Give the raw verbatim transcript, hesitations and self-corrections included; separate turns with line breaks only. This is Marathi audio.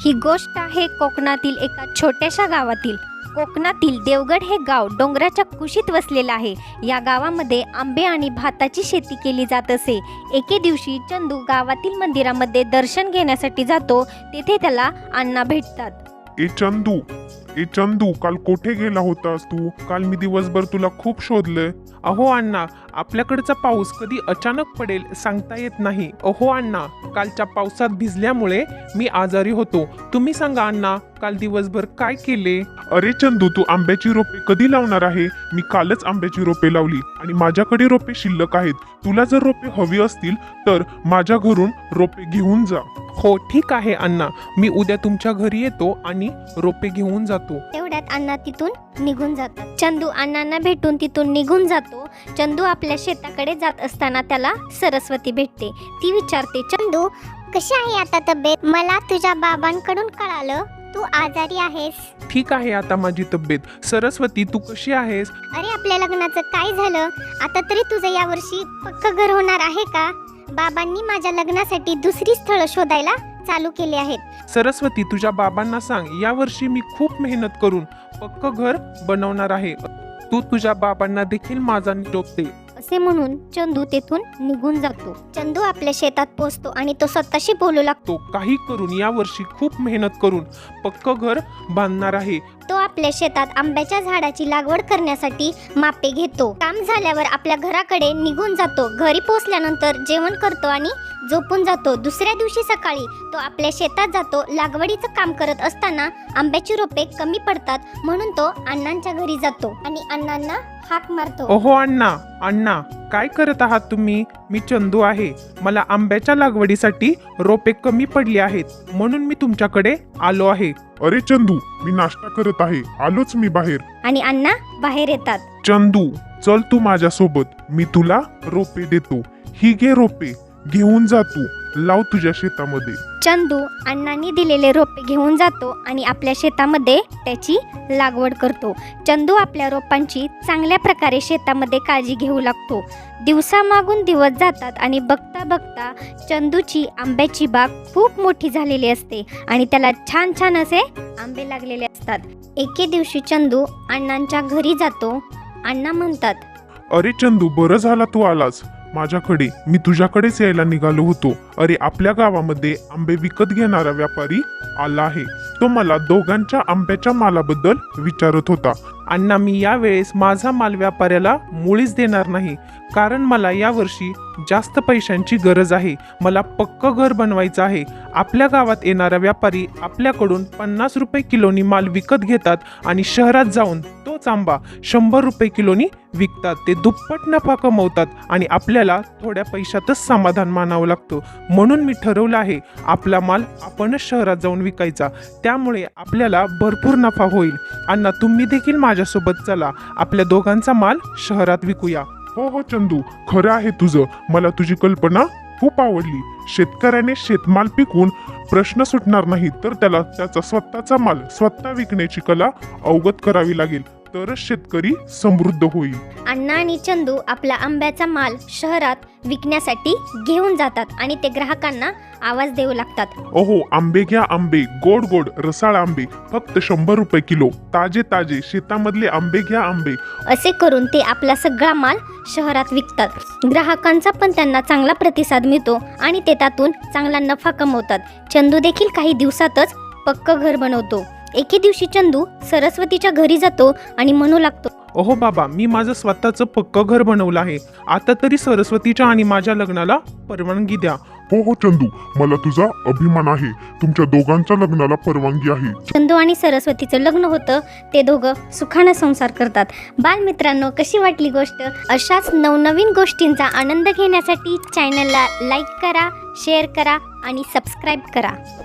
ही गोष्ट आहे कोकणातील एका छोट्याशा गावातील. कोकणातील देवगड हे गाव डोंगराच्या कुशीत वसलेलं आहे. या गावामध्ये आंबे आणि भाताची शेती केली जात असे. एके दिवशी चंदू गावातील मंदिरामध्ये दर्शन घेण्यासाठी जातो. तेथे त्याला अण्णा भेटतात.
ए चंदू ए चंदू काल कोठे गेला होतास तू? काल मी दिवसभर तुला खूप शोधलंय.
अहो अण्णा, आपल्याकडचा पाऊस कधी अचानक पडेल सांगता येत नाही. अहो अण्णा, कालच्या पावसात भिजल्यामुळे मी आजारी होतो. तुम्ही सांगा अण्णा, काल दिवसभर काय केले?
अरे चंदू, तू आंब्याची रोपे कधी लावणार आहे? मी कालच आंब्याची रोपे लावली आणि माझ्याकडे रोपे शिल्लक आहेत. तुला जर रोपे हवी असतील तर माझ्या घरून रोपे घेऊन जा.
हो ठीक आहे अण्णा, मी उद्या तुमच्या घरी येतो आणि रोपे घेऊन जातो.
तेवढ्यात अण्णा तिथून निघून जातात. चंदू अण्णांना भेटून तिथून निघून जातो. चंदू आपल्या शेताकडे जात असताना त्याला सरस्वती भेटते. ती विचारते, चंदू कशी आहे आता तब्येत? मला तुझ्या बाबांकडून कळालं तू आजारी आहेस.
ठीक आहे आता माझी तब्येत. सरस्वती, तू कशी आहेस?
अरे, आपल्या लग्नाचं काय झालं? आता तरी तुझं यावर्षी पक्क घर होणार आहे का? बाबांनी माझ्या लग्नासाठी दुसरी स्थळं शोधायला चालू केली आहेत.
सरस्वती, तुझ्या बाबांना सांग, यावर्षी मी खूप मेहनत करून पक्क घर बनवणार आहे. तू तुझ्या बाबांना देखील माझा निरोप दे.
असे म्हणून चंदू तेथून निघून जातो. चंदू आपल्या शेतात पोहोचतो आणि तो स्वतःशी बोलू लागतो.
तो काही करून यावर्षी खूप मेहनत करून पक्क घर बांधणार आहे.
तो आपल्या शेतात आंब्याच्या झाडाची लागवड करण्यासाठी मापे घेतो. काम झाल्यावर आपल्या घराकडे निघून जातो. घरी पोहोचल्यानंतर जेवण करतो आणि झोपून जातो. दुसऱ्या दिवशी सकाळी तो आपल्या शेतात जातो. लागवडीचं काम करत असताना आंब्याची रोपे कमी पडतात म्हणून तो अण्णांच्या घरी जातो आणि अण्णांना हाक मारतो.
ओहो अण्णा, अण्णा काय करत आहात तुम्ही? मी चंदू आहे. मला आंब्याच्या लागवडीसाठी रोपे कमी पडली आहेत म्हणून मी तुमच्याकडे आलो आहे.
अरे चंदू, मी नाश्ता करत आहे, आलोच मी बाहेर.
आणि अण्णा बाहेर येतात.
चंदू, चल तू माझ्यासोबत, मी तुला रोपे देतो. ही घे रोपे, घेऊन जा तू, लाव तुझ्या शेतामध्ये.
चंदू अण्णांनी दिलेले रोपे घेऊन जातो आणि आपल्या शेतामध्ये त्याची लागवड करतो. चंदू आपल्या रोपांची चांगल्या प्रकारे शेतामध्ये काळजी घेऊ लागतो. दिवसामागून दिवस जातात आणि बघता बघता चंदूची आंब्याची बाग खूप मोठी झालेली असते आणि त्याला छान छान असे आंबे लागलेले असतात. एके दिवशी चंदू अण्णांच्या घरी जातो. अण्णा म्हणतात,
अरे चंदू, बरं झाला तू आलास माझ्याकडे. मी तुझ्याकडेच यायला निघालो होतो. अरे, आपल्या गावामध्ये आंबे विकत घेणारा व्यापारी आला आहे. तो मला दोघांच्या आंब्याच्या मालाबद्दल विचारत होता.
अण्णा, मी यावेळेस माझा माल व्यापाऱ्याला मुळीच देणार नाही, कारण मला यावर्षी जास्त पैशांची गरज आहे. मला पक्क घर बनवायचं आहे. आपल्या गावात येणारा व्यापारी आपल्याकडून पन्नास रुपये किलोनी माल विकत घेतात आणि शहरात जाऊन तोच आंबा शंभर रुपये किलोनी विकतात. ते दुप्पट नफा कमवतात आणि आपल्याला थोड्या पैशातच समाधान मानावं लागतं. म्हणून मी ठरवलं आहे, आपला माल आपणच शहरात जाऊन विकायचा. त्यामुळे आपल्याला भरपूर नफा होईल. अण्णा, तुम्ही देखील माझ्यासोबत चला, आपल्या दोघांचा माल शहरात विकूया.
हो हो चंदू, खरं आहे तुझं. मला तुझी कल्पना खूप आवडली. शेतकऱ्याने शेतमाल पिकवून प्रश्न सुटणार नाही, तर त्याला त्याचा स्वतःचा माल स्वतः विकण्याची कला अवगत करावी लागेल, तरच शेतकरी समृद्ध होईल.
अण्णा आणि चंदू आपला आंब्याचा माल शहरात विकण्यासाठी घेऊन जातात आणि ते ग्राहकांना आवाज देऊ लागतात.
ओहो, आंबे घ्या आंबे, गोड गोड रसाळ आंबे, फक्त शंभर रुपये किलो, ताजे ताजे शेतामधले आंबे घ्या आंबे.
असे करून ते आपला सगळा माल शहरात विकतात. ग्राहकांचा पण त्यांना चांगला प्रतिसाद मिळतो आणि ते त्यातून चांगला नफा कमवतात. चंदू देखील काही दिवसातच पक्क घर बनवतो. एके दिवशी चंदू सरस्वतीच्या घरी जातो आणि म्हणू लागतो,
ओहो बाबा, मी माझं स्वतःचं पक्क घर बनवलं आहे. आता तरी सरस्वतीच्या आणि माझ्या लग्नाला परवानगी द्या.
हो हो चंदू, मला तुझा अभिमान आहे. तुमच्या दोघांच्या लग्नाला परवानगी आहे.
चंदू आणि सरस्वतीचं लग्न होतं. ते दोघं सुखानं संसार करतात. बालमित्रांनो, कशी वाटली गोष्ट? अशाच नवनवीन गोष्टींचा आनंद घेण्यासाठी चॅनलला लाईक करा, शेअर करा आणि सबस्क्राईब करा.